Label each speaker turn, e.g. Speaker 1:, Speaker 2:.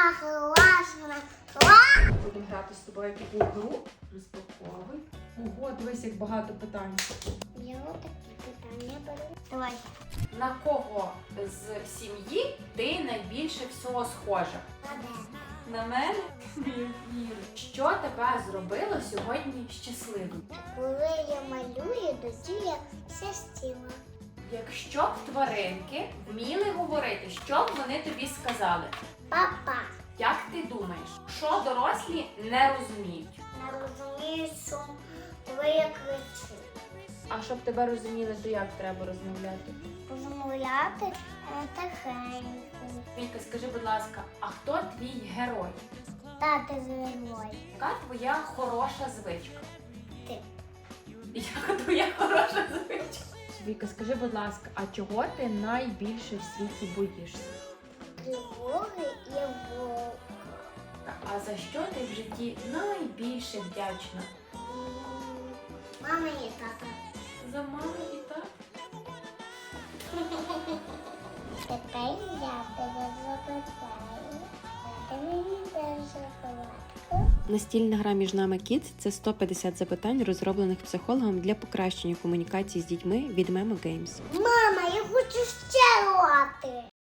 Speaker 1: класно.
Speaker 2: Будемо грати з тобою таку гру. Розпаковуй. Ого, дивись, як багато питань.
Speaker 1: Я отакі питання беру. Давай.
Speaker 2: На кого з сім'ї ти найбільше всього схожа? На мене? Не вірю. Що тебе зробило сьогодні щасливим?
Speaker 1: Коли я малюю, тоді я щастила.
Speaker 2: Якщо б тваринки вміли говорити, що б вони тобі сказали?
Speaker 1: Папа.
Speaker 2: Як ти думаєш, що дорослі не розуміють?
Speaker 1: Не розумію, що коли я кричу.
Speaker 2: А щоб тебе розуміли, то як треба розмовляти?
Speaker 1: Розмовляти тихенько.
Speaker 2: Вілька, скажи, будь ласка, а хто твій герой?
Speaker 1: Тати герой.
Speaker 2: Яка твоя хороша звичка?
Speaker 1: Ти.
Speaker 2: Яка твоя хороша звичка? Віка, скажи, будь ласка, а чого ти найбільше в світі боїшся?
Speaker 1: Тривоги і вовка.
Speaker 2: А за що ти в житті найбільше вдячна?
Speaker 1: Мама і тата.
Speaker 2: За маму і тата?
Speaker 1: Тепер я тебе запитаю. Ти мені даєш шоколадку?
Speaker 3: Настільна гра «Між нами Kids» – це 150 запитань, розроблених психологом для покращення комунікації з дітьми від Memo Games.
Speaker 1: Мама, я хочу ще грати.